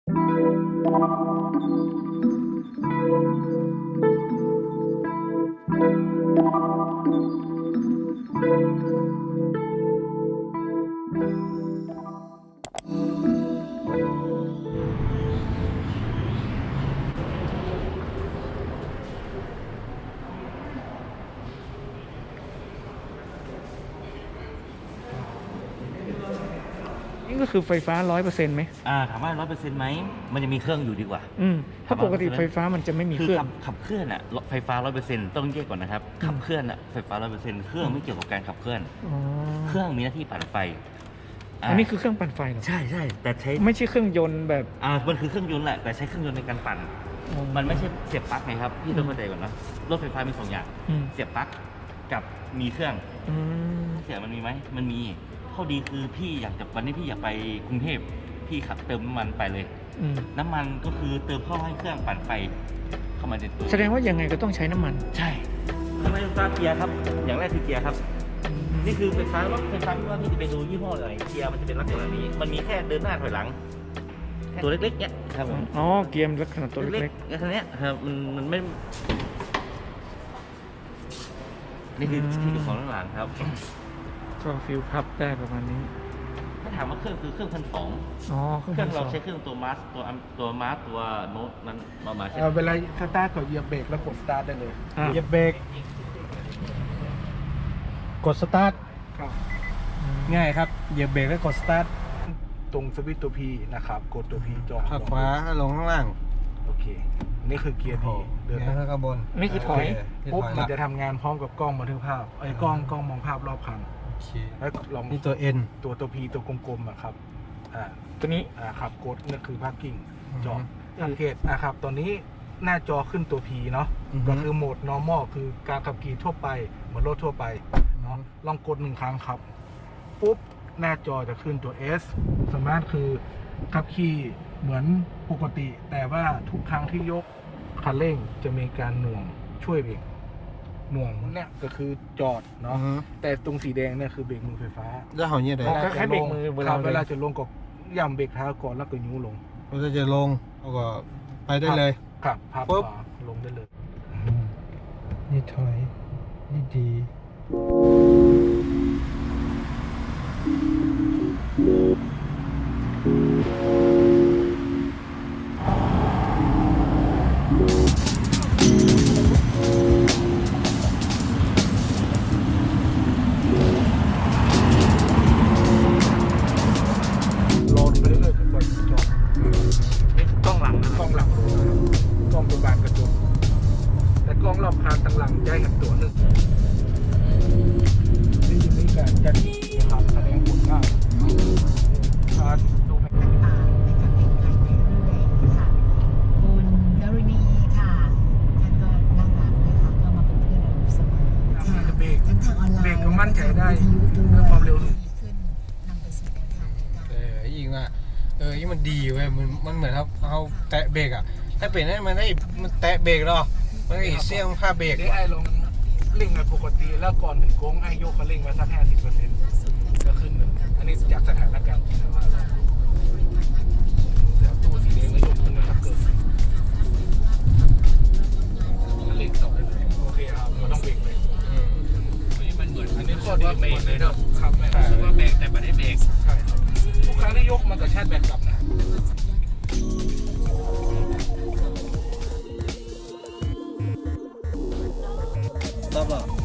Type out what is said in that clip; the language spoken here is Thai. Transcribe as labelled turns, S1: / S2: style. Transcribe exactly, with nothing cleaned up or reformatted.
S1: นี่ก็คือไฟฟ้าร้อยเปอร์เซ็นต์ไหม
S2: อ่าถามว่าร้อยเปอร์เซ็นต์ไหมมันจะมีเครื่องอยู่ดีกว่า
S1: อืมถ้าปกติไฟฟ้ามันจะไม่มีเครื่อง
S2: ขับขับเคลื่อนอะไฟฟ้าร้อยเปอร์เซ็นต์ต้องแยกก่อนนะครับขับเคลื่อนอะไฟฟ้าร้อยเปอร์เซ็นต์เครื่องไม่เกี่ยวกับการขับเคลื่อนเครื่องมีหน้าที่ปั่นไฟ
S1: อันนี้คือเครื่องปั่นไฟเหรอ
S2: ใช่ใช่แต่ใช้
S1: ไม่ใช่เครื่องยนต์แบบ
S2: อ่ามันคือเครื่องยนต์แหละแต่ใช้เครื่องยนต์ในการปั่นมันไม่ใช่เสียบปลั๊กไงครับพี่ต้องเข้าใจก่อนนะรถไฟฟ้ามีสองอย่างเสียบปลั๊กกับมีเครื่องเสียบมันมีไหมมันมีข้อดีคือพี่อยากจะวันนี้พี่อยากไปกรุงเทพพี่ขับเติมน้ำมันไปเลยน้ำมันก็คือเติมเข้าให้เครื่องปั่นไฟเข้ามาในตัว
S1: แสดงว่ายังไงก็ต้องใช้น้ำมัน
S2: ใช่ทำไมไฟฟ้าเกียร์ครับอย่างแรกคือเกียร์ครับนี่คือไฟฟ้ารถไฟฟ้าที่ว่าพี่จะไปดูยี่ห้ออะไรเกียร์มันจะเป็นลักษณะนี้มันมีแค่เดินหน้าถอยหลังตัวเล็กๆเนี่ยครับผม
S1: อ๋อเกียร์ลักษณะตัวเล็ก
S2: ๆแค่นี้ครับมันมันไม่นี่คือที่อยู่ของหลังครับ
S1: ก็ฟิลพับได้ประมาณนี้
S2: ถ้าถามว่าเครื่องคือเครื่องพันสอง
S1: อ๋อ
S2: เครื่องเราใช้เครื่องตัวมาสตัวตัวมาสตัวโน้ตนั้นมามาใช่
S3: เวลาสตาร์ทก็เหยียบเบรกแล้วกดสตาร์ทได้เลย
S1: เห
S3: ยียบเบรกกดสตาร์ทง่ายครับเหยียบเบรกแล้วกดสตาร์ทตรงสวิตช์ตัว P นะครับกดตัว P จอ
S4: ข้างขวาลงข้างล่าง
S3: โอเคนี่คือเกียร์ P
S4: เดินข้างบน
S1: นี่คือถอย
S3: ปุ๊บมันจะทำงานพร้อมกับกล้องบันทึกภาพไอ้กล้องกล้องมองภาพรอบคันแล้วลอง
S4: นี่ตัว N
S3: ตัวตัว P ตัวกลมๆอะครับอ่า
S1: ตัวนี้
S3: อ่าครับกดนั่นคือ parking จอสังเกตนะครับตอนนี้หน้าจอขึ้นตัว P เนาะก็คือโหมด normal คือการขับขี่ทั่วไปเหมือนรถทั่วไปเนาะลองกดหนึ่งครั้งครับปุ๊บหน้าจอจะขึ้นตัว S สามารถคือขับขี่เหมือนปกติแต่ว่าทุกครั้งที่ยกคันเร่งจะมีการหน่วงช่วยเบรกหน่วงเนี่ยก็คือจอดเนาะแต่ตรงสีแดงเนี่ยคือเบรกมือไฟฟ้า
S4: จะหอยเนี่ย
S1: เลยแค่เบรกมือ
S3: เวลาเวลาจะลงก็ย่ำเบรกเท้าก่อนแล้วก็ยูลง
S4: เวลาจะลงเราก็ไปได้เลย
S3: ครับพับขวาลงได้เลย
S4: นี่ถอยนี่ดี
S3: รอบคานตั้งหลังใจเห็นตัวหนึ่งนี่จะมีการจัดนะครับแสดงผลได้การดูแล
S5: ต่างๆในการเปลี่ยนแปลงไปเรื่อยๆค่ะคุณดารินีค่ะท่านก็น่ารักนะคะก็มาเป็นเพื่อนเราเสมอค่ะทั้งทางออนไลน์
S3: เบรกก็มั่นใจได้
S5: ด้วย
S3: ความเร็วขึ้น
S5: นำไปสู่แนวทางในการ
S4: เออยิ่งว่าเออยิ่งมันดีเว้ยมันมันเหมือนครับเอาแตะเบรกอ่ะถ้าเปลี่ยนให้มันได้มันแตะเบรกหรอมันก็อีเสี่ยงผ้าเบรก
S3: ไอ้ลงเร่งปกติแล้วก่อนถึงโค้งไอ้โยกเขาเร่งไว้สักห้าสิบเปอร์เซ็นต์ก็ขึ้นเลยอันนี้จากสถานการณ์จริงมาแล้วแล้วตู้สีแดงแล้วยกขึ้นนะครับเกิดเร่งต่อได้เลยโอเคครับเราต้องเบรกเลยอันนี้มันเหมือนอันนี้ข้อดีเบรกเลยเนาะครับคือว่าเบรกแต่ไม่ได้เบรกใช่ทุกครั้งที่ยกมันก็ชาร์จแบตกลับนะ
S4: รอบ